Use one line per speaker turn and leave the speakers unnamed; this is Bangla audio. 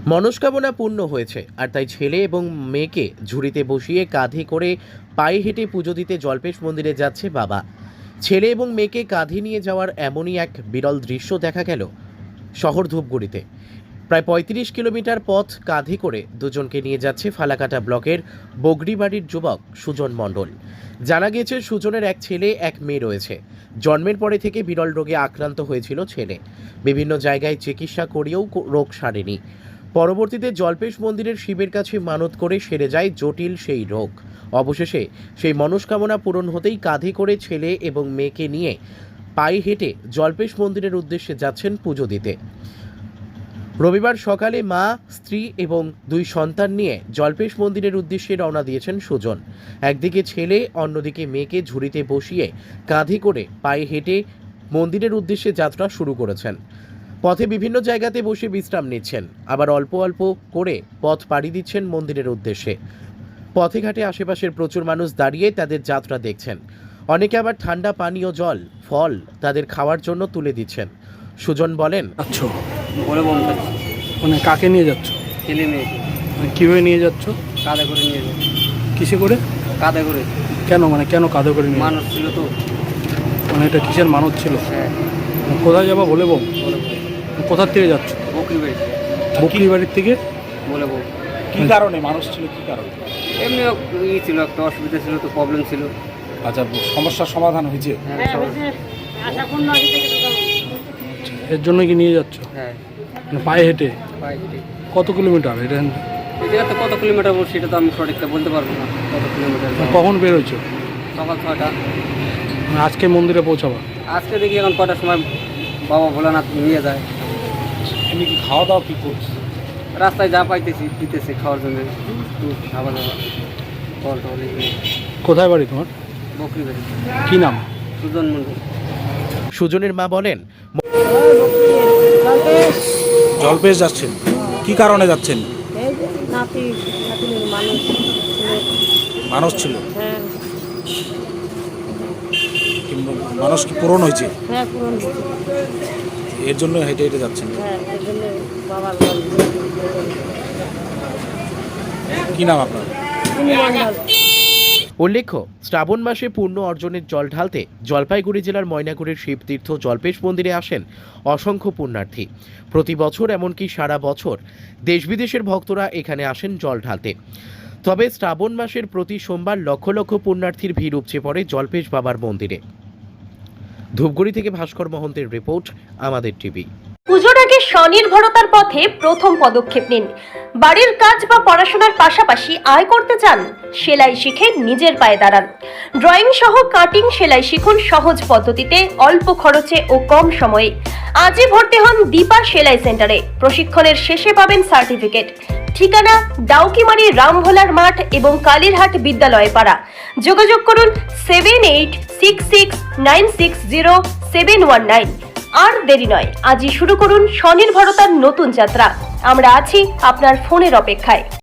মনস্কামনা পূর্ণ হয়েছে, আর তাই ছেলে এবং মেয়েকে ঝুড়িতে বসিয়ে কাঁধে করে পায়ে হেঁটে পুজো দিতে জল্পেশ মন্দিরে যাচ্ছে বাবা। ছেলে এবং মেয়েকে কাঁধে নিয়ে যাওয়ার এমনই এক বিরল দৃশ্য দেখা গেল শহর ধূপগুড়িতে। প্রায় ৩৫ কিলোমিটার পথ কাঁধে করে দুজনকে নিয়ে যাচ্ছে ফালাকাটা ব্লকের বগড়িবাড়ির যুবক সুজন মণ্ডল। জানা গিয়েছে সুজনের এক ছেলে এক মেয়ে রয়েছে। জন্মের পরে থেকে বিরল রোগে আক্রান্ত হয়েছিল ছেলে। বিভিন্ন জায়গায় চিকিৎসা করিয়েও রোগ সারেনি। পরবর্তীতে জল্পেশ মন্দিরের শিবের কাছে মানত করে সেরে যায় জটিল সেই রোগ। অবশেষে সেই মনস্কামনা পূরণ হতেই কাঁধে করে ছেলে এবং মেয়েকে নিয়ে পায়ে হেঁটে জল্পেশ মন্দিরের উদ্দেশ্যে যাচ্ছেন পুজো দিতে। রবিবার সকালে মা, স্ত্রী এবং দুই সন্তান নিয়ে জল্পেশ মন্দিরের উদ্দেশ্যে রওনা দিয়েছেন সুজন। একদিকে ছেলে, অন্যদিকে মেয়েকে ঝুড়িতে বসিয়ে কাঁধে করে পায়ে হেঁটে মন্দিরের উদ্দেশ্যে যাত্রা শুরু করেছেন। পথে বিভিন্ন জায়গাতে বসে বিশ্রাম নিচ্ছেন, আবার অল্প অল্প করে পথ পাড়ি দিচ্ছেন মন্দিরের উদ্দেশ্যে। পথে ঘাটে আশেপাশের প্রচুর মানুষ দাঁড়িয়ে তাদের যাত্রা দেখছেন। অনেকে আবার ঠান্ডা পানীয় জল, ফল তাদের খাওয়ার জন্য তুলে দিচ্ছেন। সুজন বলেন,
আচ্ছা,
বলে বলতে
মানে কাকে নিয়ে যাচ্ছ?
ছেলে মেয়েকে
মানে কীভাবে নিয়ে যাচ্ছ?
কাঁধে করে নিয়ে যাবে।
কিসে করে?
কাঁধে করে।
কেন কাঁধে করে নিয়ে?
মানুষ ছিল তো।
মানে এটা কিসের মানত ছিল?
হ্যাঁ,
কোথায় যাবা বলে বল?
বলে বল।
কোথার থেকে যাচ্ছ?
বকরি বাড়ি
বকরি বাড়ির থেকে।
বলে বল।
কি কারণে মানুষ ছিল, কি কারণে?
এমনি ই ছিল, একটা অসুবিধা ছিল তো, প্রবলেম ছিল।
আচ্ছা, সমস্যার সমাধান হয়েছে?
হ্যাঁ,
এর জন্য কি নিয়ে যাচ্ছ?
হ্যাঁ,
মানে পায়ে হেঁটে?
পায়ে হেঁটে।
কত কিলোমিটার এটা?
এই জায়গাতে কত কিলোমিটার সেটা তো আমি সঠিকটা বলতে পারবো না। কত কিলোমিটার?
কখন বেরোছো?
সকাল 6টা।
মানে আজকে মন্দিরে পৌঁছাবা?
আজকে দেখি এখন কটার সময় বাবা ভোলানাথ নিয়ে যায়।
এমনি কি খাওয়া দাওয়া কি করছে?
রাস্তায় যা পাইতেছি দিতেছি খাওয়ার জন্য, দুধ, খাবার দাবার, ফল টল এগুলো।
কোথায় বাড়ি তোমার?
বকরি বাড়ি।
কি নাম?
সুজন মন্ডল।
সুজনের মা বলেন,
জল্পেশ যাচ্ছেন, কি কারণে যাচ্ছেন?
এই যে নাতির মানুষ
মানুষ ছিল?
হ্যাঁ
মানুষ কি পূরণ হয়েছে?
হ্যাঁ পূরণ হয়েছে।
এর জন্য হেঁটে হেঁটে যাচ্ছেন?
হ্যাঁ এর জন্য বাবার
কি নাম আপনার?
উল্লেখ্য, শ্রাবণ মাসে পূর্ণ অর্জনের জল ঢালতে জলপাইগুড়ি জেলার ময়নাগুড়ির শিবতীর্থ জল্পেশ মন্দিরে আসেন অসংখ্য পুণ্যার্থী। প্রতি বছর, এমনকি সারা বছর দেশ বিদেশের ভক্তরা এখানে আসেন জল ঢালতে। তবে শ্রাবণ মাসের প্রতি সোমবার লক্ষ লক্ষ পুণ্যার্থীর ভিড় উপচে পড়ে জল্পেশ বাবার মন্দিরে। ধূপগুড়ি থেকে ভাস্কর মহন্তের রিপোর্ট, আমাদের টিভি।
পুজোর আগে স্বনির্ভরতার পথে প্রথম পদক্ষেপ নিন। বাড়ির কাজ বা পড়াশোনার পাশাপাশি আয় করতে চান? সেলাই শিখে নিজের পায়ে দাঁড়ান। ড্রয়িং সহ কাটিং সেলাই শিখুন সহজ পদ্ধতিতে, অল্প খরচে ও কম সময়ে। আজই ভর্তি হন দীপা সেলাই সেন্টারে। প্রশিক্ষণের শেষে পাবেন সার্টিফিকেট। ঠিকানা ডাউকিমারি রামভোলার মাঠ এবং কালীরহাট বিদ্যালয় পাড়া। যোগাযোগ করুন 7866960719। আর দেরি নয়, আজই শুরু করুন স্বনির্ভরতার নতুন যাত্রা। আমরা আছি আপনার ফোনের অপেক্ষায়।